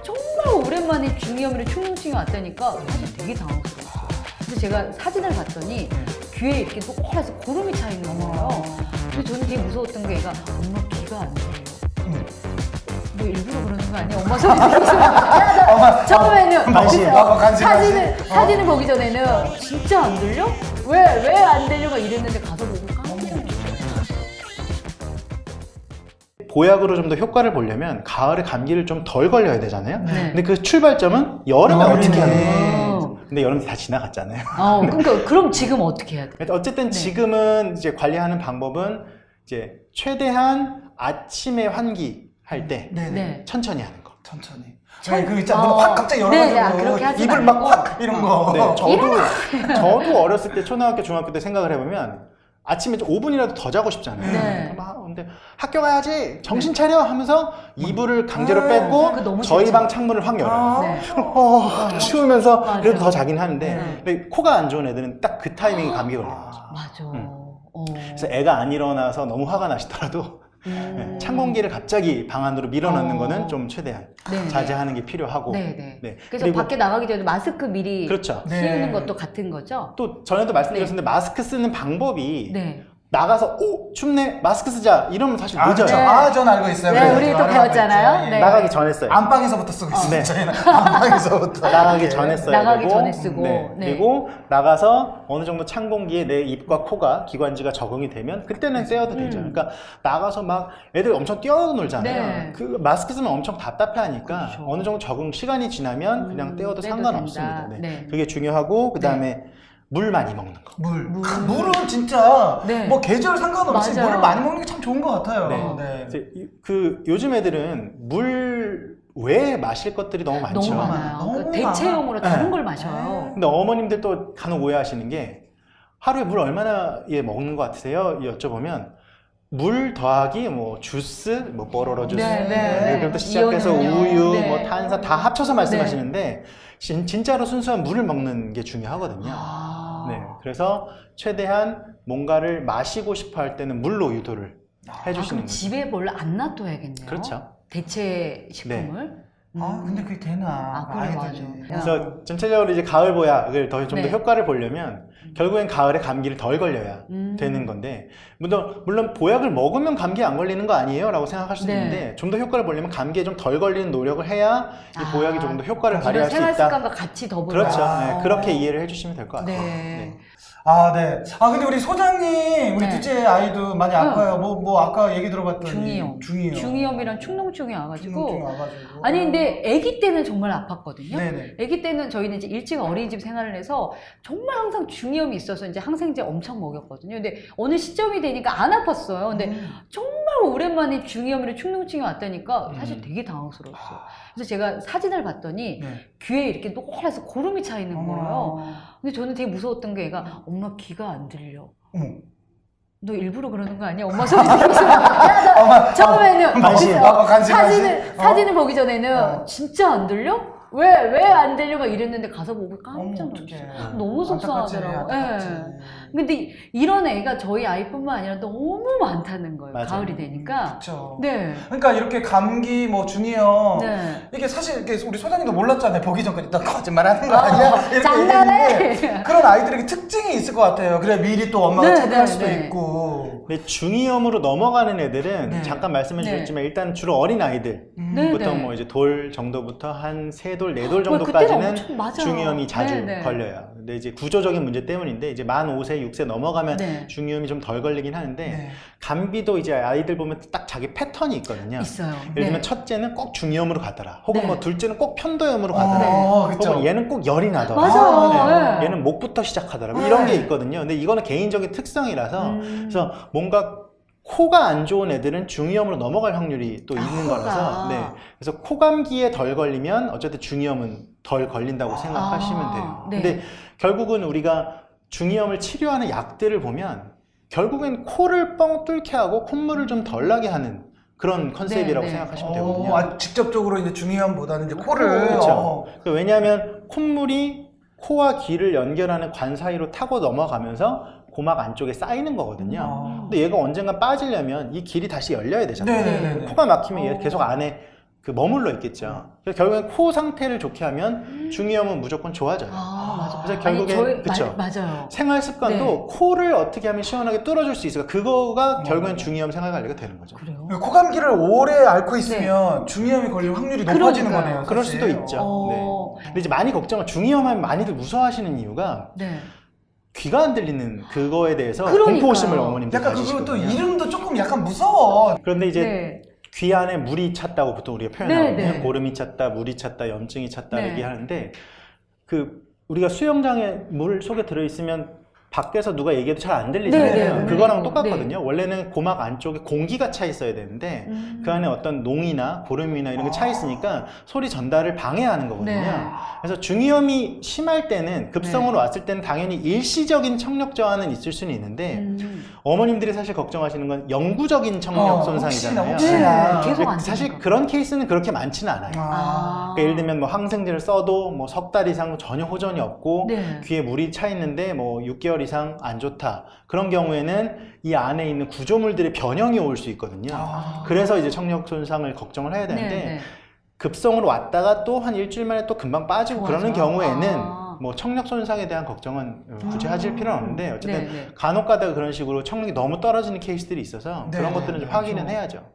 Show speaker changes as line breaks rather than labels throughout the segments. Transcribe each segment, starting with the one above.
정말 오랜만에 중이염이랑 충농증이 왔다니까 사실 되게 당황스러웠어요. 그래서 제가 사진을 봤더니 귀에 이렇게 노랗게 고름이 차 있는 거예요. 근데 저는 되게 무서웠던 게 얘가 엄마 귀가 안 들려. 뭐 일부러 그러는 거 아니야? 엄마 소리 들리면서 처음에는 사진을 보기 전에는 진짜 안 들려? 왜 안 들려? 막 이랬는데 가서 보고 깜짝 놀랐어요.
보약으로 좀 더 효과를 보려면 가을에 감기를 좀 덜 걸려야 되잖아요.
네.
근데 그 출발점은 여름에 어떻게 하는
네.
거예요? 근데 여름이 다 지나갔잖아요.
그러니까 그럼 지금 어떻게 해야 돼?
어쨌든
네.
지금은 이제 관리하는 방법은 이제 최대한 아침에 환기할 때
네.
천천히 하는 거.
천천히. 그 있잖아. 확 갑자기
네,
열어가지고
그렇게 하지
입을
말고.
막 확 이런 거.
네, 저도 어렸을 때 초등학교, 중학교 때 생각을 해보면 아침에 좀 5분이라도 더 자고 싶잖아요.
네.
근데 학교 가야지 정신 차려 하면서 이불을 강제로
그거
뺐고
너무
저희
싫죠.
방 창문을 확 열어요.
네.
추우면서
맞아.
그래도 더 자긴 하는데
네.
근데 코가 안 좋은 애들은 딱 그 타이밍에 감기 걸리는 거죠.
맞아.
그래서 애가 안 일어나서 너무 화가 나시더라도 찬 공기를 갑자기 방 안으로 밀어넣는 거는 좀 최대한
네.
자제하는 게 필요하고.
네.
네.
그래서
그리고
밖에 나가기 전에 마스크 미리
그렇죠.
씌우는
네.
것도 같은 거죠?
또 전에도 말씀드렸는데 마스크 쓰는 방법이
네.
나가서 오 춥네 마스크 쓰자 이러면 사실 늦어요.
그렇죠.
네.
전 알고 있어요.
네,
그래서
우리 또
알고
배웠잖아요.
있죠.
네.
나가기 전에 써요.
안방에서부터 쓰고 있어요.
네.
저희는 안방에서부터.
나가기 전에 써야
나가기
되고
전에 쓰고.
네.
네.
그리고 나가서 어느 정도 찬 공기에 내 입과 코가 기관지가 적응이 되면 그때는 쐬어도 되죠. 그러니까 나가서 막 애들 엄청 뛰어놀잖아요.
네.
그 마스크 쓰면 엄청 답답해하니까
그렇죠.
어느 정도 적응 시간이 지나면 그냥 떼어도
떼도
상관없습니다.
된다.
네.
네.
그게 중요하고 그 다음에 물 많이 먹는 거.
물은 진짜
네.
뭐 계절 상관없이
맞아요.
물을 많이 먹는 게 참 좋은 것 같아요.
네. 이제 그 요즘 애들은 물 외에 마실 것들이 너무 많죠.
너무 많아요.
너무
그러니까 대체용으로
많아.
다른
네.
걸 마셔요.
근데 어머님들 또 간혹 오해하시는 게 하루에 물 얼마나 먹는 것 같으세요? 여쭤보면 물 더하기 뭐 주스, 뭐 뽀로로 주스,
네.
그부터 시작해서
이온 음료.
우유,
네.
뭐 탄산 다 합쳐서 말씀하시는데 진짜로 순수한 물을 먹는 게 중요하거든요. 네, 그래서 최대한 뭔가를 마시고 싶어 할 때는 물로 유도를 해주시는
그럼
거죠.
집에 뭘 안 놔둬야겠네요.
그렇죠.
대체 식품을.
근데 그게 되나?
그래, 맞아.
그래서 전체적으로 이제 가을 보약을 좀 더
네.
효과를 보려면 결국엔 가을에 감기를 덜 걸려야 되는 건데 물론 보약을 먹으면 감기 안 걸리는 거 아니에요? 라고 생각할 수도
네.
있는데 좀 더 효과를 보려면 감기에 좀 덜 걸리는 노력을 해야 이 보약이 조금 더 효과를 발휘할 수
생활
있다.
습관과 같이 더불어.
그렇죠. 네, 그렇게 이해를 해주시면 될 것 같아요.
네.
네. 근데 우리 소장님, 우리
네.
둘째 아이도 많이 아파요. 뭐 아까 얘기 들어봤더니.
중이염. 중이염이랑 충농증이 와가지고.
충농증이 와가지고.
아니, 근데 아기 때는 정말 아팠거든요.
네네.
아기 때는 저희는 이제 일찍 어린이집 생활을 해서 정말 항상 중이염이 있어서 이제 항생제 엄청 먹였거든요. 근데 어느 시점이 되니까 안 아팠어요. 근데 정말 오랜만에 중이염이랑 충농증이 왔다니까 사실 되게 당황스러웠어요. 그래서 제가 사진을 봤더니 귀에 이렇게 노랗게 고름이 차 있는 거예요. 근데 저는 되게 무서웠던 게 얘가 엄마 귀가 안 들려. 너 일부러 그러는 거 아니야? 엄마 소리 들리면서 처음에는 사진을 보기 전에는 진짜 안 들려? 왜 안 들려? 막 이랬는데 가서 보고 깜짝 놀랐어요. 너무 속상하더라고. 근데 이런 애가 저희 아이뿐만 아니라 너무 많다는 거예요.
맞아요.
가을이 되니까.
그렇죠.
네.
그러니까 이렇게 감기, 뭐 중이염
네.
이게 사실 이렇게 우리 소장님도 몰랐잖아요. 보기 전까지 나 거짓말하는 거 아니야? 이렇게
장난해.
얘기했는데 그런 아이들에게 특징이 있을 것 같아요. 그래 미리 또 엄마가 체크할 수도 있고.
근데 중이염으로 넘어가는 애들은
네.
잠깐 말씀해 주셨지만 일단 주로 어린 아이들 보통 뭐 이제 돌 정도부터 한 3돌, 4돌 정도까지는 중이염이 자주 걸려요. 근데 이제 구조적인 문제 때문인데 이제 만 5세, 6세 넘어가면 중이염이 좀 덜 걸리긴 하는데 감기도 이제 아이들 보면 딱 자기 패턴이 있거든요.
있어요.
예를 들면 첫째는 꼭 중이염으로 가더라. 혹은 뭐 둘째는 꼭 편도염으로 가더라. 혹은 얘는 꼭 열이 나더라.
맞아.
얘는 목부터 시작하더라. 뭐 이런 게 있거든요. 근데 이거는 개인적인 특성이라서 그래서 뭔가 코가 안 좋은 애들은 중이염으로 넘어갈 확률이 또 있는 거라서 그래서 코감기에 덜 걸리면 어쨌든 중이염은 덜 걸린다고 생각하시면 돼요. 근데 결국은 우리가 중이염을 치료하는 약들을 보면 결국엔 코를 뻥 뚫게 하고 콧물을 좀 덜 나게 하는 그런 컨셉이라고 생각하시면 되거든요.
직접적으로 이제 중이염보다는 이제 코를.
그렇죠. 왜냐하면 콧물이 코와 귀를 연결하는 관 사이로 타고 넘어가면서 고막 안쪽에 쌓이는 거거든요. 근데 얘가 언젠가 빠지려면 이 길이 다시 열려야 되잖아요. 코가 막히면 얘 계속 안에 그 머물러 있겠죠. 그래서 결국엔 코 상태를 좋게 하면 중이염은 무조건 좋아져요.
맞아.
그래서 결국엔 그쵸.
맞아요.
생활 습관도
네.
코를 어떻게 하면 시원하게 뚫어줄 수 있을까? 그거가 결국엔 중이염 생활 관리가 되는 거죠.
그래요?
코감기를 오래 앓고 있으면 중이염이 걸릴 확률이 높아지는
그러니까요.
거네요.
그럴
사실.
수도 있죠. 네. 근데 이제 많이 걱정을 중이염하면 많이들 무서워하시는 이유가
네.
귀가 안 들리는 그거에 대해서
그러니까요.
공포심을 어머님들
약간 그리고 또
가지시거든요.
이름도 조금 약간 무서워.
그런데 이제
네.
귀 안에 물이 찼다고 보통 우리가 표현하거든요.
네, 네.
고름이 찼다, 물이 찼다, 염증이 찼다
네.
얘기하는데 그 우리가 수영장에 물 속에 들어있으면 밖에서 누가 얘기해도 잘 안 들리잖아요.
네, 네.
그거랑
네.
똑같거든요. 원래는 고막 안쪽에 공기가 차 있어야 되는데 그 안에 어떤 농이나 고름이나 이런 게 차 있으니까 소리 전달을 방해하는 거거든요.
네.
그래서 중이염이 심할 때는 급성으로 왔을 때는 당연히 일시적인 청력 저하는 있을 수는 있는데 어머님들이 사실 걱정하시는 건 영구적인 청력 손상이잖아요.
혹시나.
네, 계속 안
사실
되니까.
그런 케이스는 그렇게 많지는 않아요.
아.
그러니까 예를 들면 뭐 항생제를 써도 뭐 석 달 이상 전혀 호전이 없고
네.
귀에 물이 차 있는데 뭐 6개월 이상 안 좋다. 그런 경우에는 이 안에 있는 구조물들의 변형이 올 수 있거든요. 그래서 이제 청력 손상을 걱정을 해야 되는데
네, 네.
급성으로 왔다가 또 한 일주일 만에 또 금방 빠지고
좋아져요?
그러는 경우에는
아.
뭐 청력 손상에 대한 걱정은 굳이 하실 필요는 없는데 어쨌든
네, 네.
간혹 가다가 그런 식으로 청력이 너무 떨어지는 케이스들이 있어서
네,
그런 것들은 좀
네,
확인은
그렇죠.
해야죠.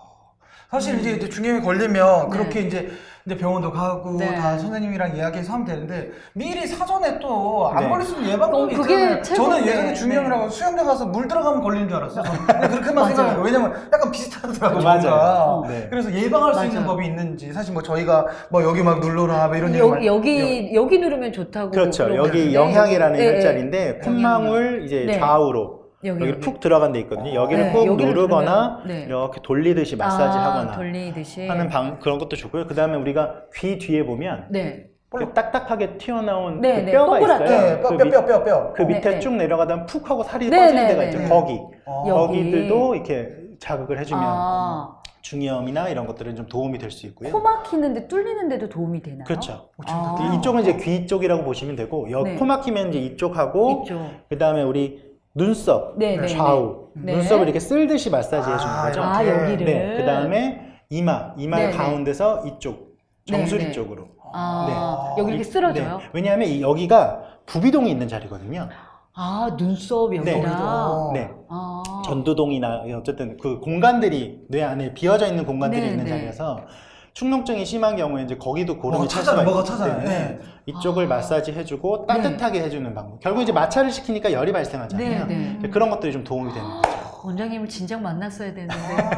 사실 이제 중이염이 걸리면
네.
그렇게 이제 병원도 가고
네.
다 선생님이랑 이야기해서 하면 되는데 미리 사전에 또 안
네.
걸릴 수 있는 예방법이
그게
있잖아요. 저는
최고인데.
예전에 중이염이라고 수영장 가서 물 들어가면 걸리는 줄 알았어요. 근데 그렇게만
맞아요.
생각해요. 왜냐면 약간 비슷하더라고요.
맞아요.
뭔가.
네.
그래서 예방할 수 있는
맞아요.
법이 있는지 사실 뭐 저희가 뭐 여기 막 눌러라 뭐 이런 얘기
여기 누르면 좋다고.
그렇죠.
그런
여기
건데.
영향이라는
네,
혈자리인데 콧망울 이제
네.
좌우로 여기 푹 들어간 데 있거든요. 여기를
네,
꾹
여기를
누르거나
누르면, 네.
이렇게 돌리듯이 마사지 하거나
돌리듯이
하는 그런 것도 좋고요. 그 다음에 우리가 귀 뒤에 보면
네.
그 딱딱하게 튀어나온
네,
그
네,
뼈가
동그랗게.
있어요.
네, 뼈.
그 밑에
네, 네.
쭉 내려가다 푹 하고 살이
네,
꺼지는
네,
데가
네,
있죠.
네.
거기.
여기.
거기들도 이렇게 자극을 해주면
아,
중이염이나 이런 것들은 좀 도움이 될 수 있고요.
코 막히는데 뚫리는데도 도움이 되나요?
그렇죠.
아.
이쪽은 이제 귀 쪽이라고 보시면 되고
네.
코 막히면 이제 이쪽하고
이쪽.
그 다음에 우리 눈썹
네, 네,
좌우
네.
눈썹을 이렇게 쓸듯이 마사지 해주는 거죠.
아, 여기를.
네. 그 다음에 이마
네, 네.
가운데서 이쪽 정수리
네, 네.
쪽으로.
아, 여기 이렇게 쓸어줘요?
네. 왜냐하면 여기가 부비동이 있는 자리거든요.
아, 눈썹 여기랑.
네.
아.
전두동이나 어쨌든 그 공간들이 뇌 안에 비어져 있는 공간들이
네,
있는
네.
자리여서 충농증이 심한 경우에 이제 거기도 고름이 찰
찾아요.
수가
뭐가
있기
찾아요.
때문에
네.
이쪽을
아.
마사지 해주고 따뜻하게 해주는 방법. 결국 이제 마찰을 시키니까 열이 발생하잖아요.
네, 네.
그런 것들이 좀 도움이 되는 거죠.
원장님을 진작 만났어야 되는데.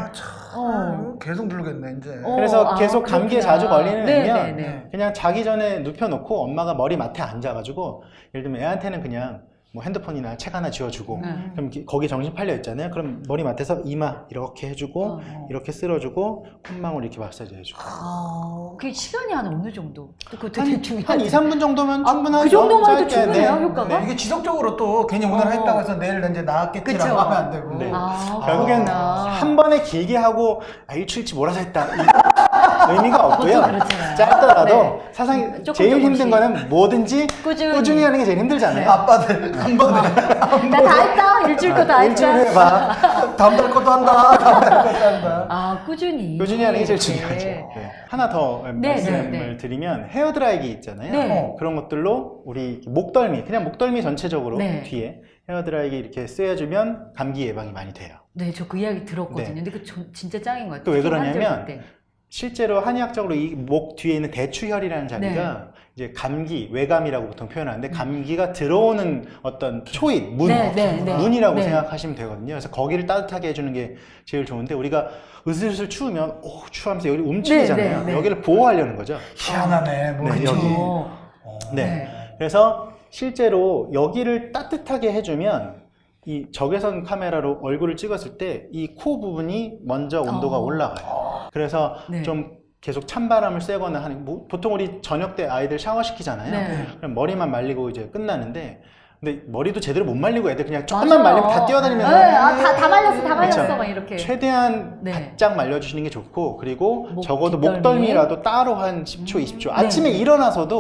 계속 누르겠네 이제.
그래서 계속 감기에
그렇구나.
자주 걸리는
네,
애면
네, 네.
그냥 자기 전에 눕혀놓고 엄마가 머리 맡에 앉아가지고 예를 들면 애한테는 그냥 뭐 핸드폰이나 책 하나 지어주고 그럼 거기 정신 팔려 있잖아요. 그럼 머리 맡에서 이마 이렇게 해주고 이렇게 쓸어주고 콧망울 이렇게 마사지 해주고
그 시간이 한 어느 정도? 그거
한,
되게 중요한.
한 2, 3분 정도면 충분하죠.
그 정도만 해도
짧게,
충분해요,
네.
효과가?
이게 지속적으로 또 괜히 오늘 했다고 해서 내일 이제 나았겠지라고
그쵸.
하면 안 되고.
네.
그렇구나.
결국엔 한 번에 길게 하고 일주일치 몰아서 했다 의미가 없고요.
보통 그렇잖아요.
짧더라도
네.
사실
조금
제일
조금씩.
힘든 거는 뭐든지
꾸준히
하는 게 제일 힘들잖아요.
아빠들 한 번에
나 다 했다. 일주일 거 다
일주일
했다.
해봐.
다음 달 것도 한다. 다음 달 것도 한다.
아, 꾸준히.
꾸준히 하는 게 제일
이렇게.
중요하죠. 네. 하나 더
네,
말씀을
네, 네.
드리면 헤어드라이기 있잖아요.
네.
그런 것들로 우리 목덜미, 그냥 목덜미 전체적으로
네.
뒤에 헤어드라이기 이렇게 쓰여주면 감기 예방이 많이 돼요.
네, 저 그 이야기 들었거든요.
네.
근데 그 진짜 짱인 것 같아요.
또 왜
특히
그러냐면
환절 때.
실제로 한의학적으로 이 목 뒤에 있는 대추혈이라는 자리가 이제 감기, 외감이라고 보통 표현하는데 감기가 들어오는 어떤 초입, 문이라고
네.
생각하시면 되거든요. 그래서 거기를 따뜻하게 해주는 게 제일 좋은데 우리가 으슬으슬 추우면 추하면서 여기 움츠리잖아요.
네.
여기를 보호하려는 거죠.
희한하네. 뭐
네,
그쵸.
여기. 네.
네.
그래서 실제로 여기를 따뜻하게 해주면 이 적외선 카메라로 얼굴을 찍었을 때 이 코 부분이 먼저 온도가 올라가요. 그래서
네.
좀 계속 찬바람을 쐬거나 하는 보통 우리 저녁 때 아이들 샤워시키잖아요.
네.
그럼 머리만 말리고 이제 끝나는데 근데 머리도 제대로 못 말리고 애들 그냥 조금만 말리면 다 뛰어다니면서
네, 다 말렸어, 다 말렸어.
그쵸.
막 이렇게.
최대한
네.
바짝 말려주시는 게 좋고 그리고
목
적어도
뒷덜미.
목덜미라도 따로 한 10초, 20초 아침에 일어나서도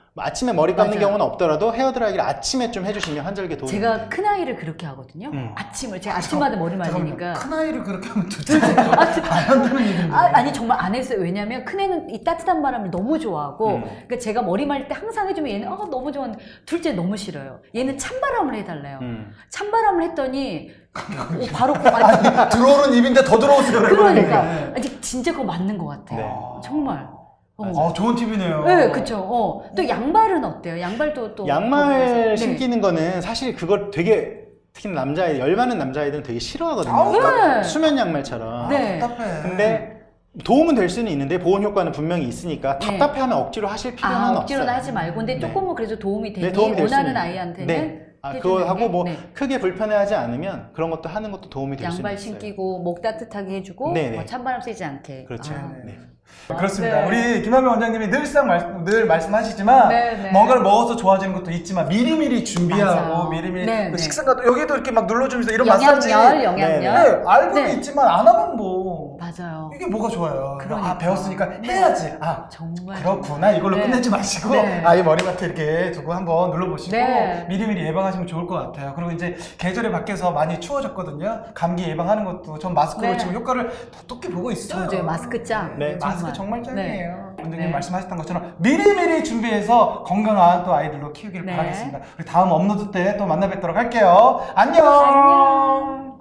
아침에 머리 감는
맞아요.
경우는 없더라도 헤어드라이기를 아침에 좀 해주시면 환절기에 도움이
제가
돼요.
큰 아이를 그렇게 하거든요. 아침을 제가 아침마다 머리 말리니까.
큰 아이를 그렇게 하면 둘째 안 한다는 얘기인데.
아니 정말 안 했어요. 왜냐면 큰애는 이 따뜻한 바람을 너무 좋아하고 그러니까 제가 머리 말릴 때 항상 해주면 얘는 너무 좋아하는데 둘째 너무 싫어요. 얘는 찬바람을 해달래요. 찬바람을 했더니 바로 아니,
들어오는 입인데 더 들어오세요.
그러니까 아니, 진짜 그거 맞는 것 같아요.
네.
정말.
좋은 팁이네요.
네, 그쵸. 또 양발은 어때요? 양발도 또
양말
네.
신기는 거는 사실 그걸 되게 특히 남자아이 열 많은 남자아이들은 되게 싫어하거든요.
아우,
네.
수면 양말처럼.
네.
답답해.
근데 도움은 될 수는 있는데 보온 효과는 분명히 있으니까
네.
답답해하면 억지로 하실 필요는
억지로는
없어요.
하지 말고 근데
네.
조금은 그래도 도움이 되니
네, 도움이 될
원하는
수는
아이한테는
네.
해주는
그거 하고
게,
뭐
네.
크게 불편해하지 않으면 그런 것도 하는 것도 도움이 될 수 있어요.
양발 신기고 목 따뜻하게 해주고
네네.
뭐 찬바람 쐬지 않게.
그렇죠.
네.
그렇습니다.
네.
우리 김한명 원장님이 늘 말씀하시지만
네.
뭔가를 먹어서 좋아지는 것도 있지만 미리미리 준비하고
맞아요.
미리미리
네,
그
네.
식사가 여기도 이렇게 막 눌러주면서 이런 마사지
영양열.
네, 알고는
네.
있지만 안 하면 뭐
맞아요.
이게 뭐가 좋아요.
그러니까.
배웠으니까 해야지.
정말.
그렇구나. 이걸로
네.
끝내지 마시고
네.
아이 머리맡에 이렇게 두고 한번 눌러보시고
네.
미리미리 예방하시면 좋을 것 같아요. 그리고 이제 계절이 바뀌어서 많이 추워졌거든요. 감기 예방하는 것도 전 마스크로
네.
지금 효과를 톡톡히 보고 있어요.
저도요. 마스크 짱.
네.
마스크 정말 짱이에요.
네.
원장님
네.
말씀하셨던 것처럼 미리미리 준비해서 건강한 또 아이들로 키우길
네.
바라겠습니다. 우리 다음 업로드 때 또 만나 뵙도록 할게요. 안녕.
안녕.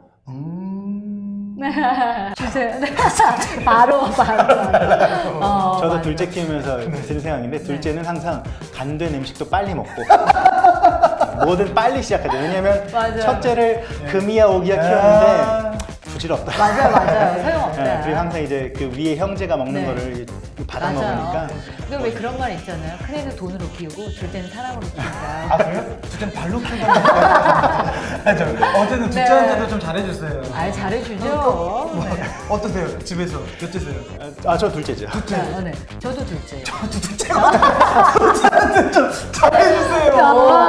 주세요. 바로.
저도
맞아요.
둘째 키우면서 드는 생각인데 둘째는 항상 간된 음식도 빨리 먹고 뭐든 빨리 시작하죠. 왜냐면
맞아요.
첫째를 금이야 오기야 키웠는데 부질없다.
맞아요. 소용없다.
네, 그리고 항상 이제 그 위에 형제가 먹는
네.
거를 받아 먹으니까.
근데 왜 그런 말 있잖아요. 큰애는 돈으로 키우고 둘째는 사랑으로 키운다.
아 그래요? 둘째는 발로 키운다는 거 어쨌든 둘째한테도 좀 잘해주세요.
잘해주죠. 네.
어떠세요? 집에서 몇째세요?
저 둘째죠.
네. 저도 둘째.
둘째가 둘째한테 좀 잘해주세요.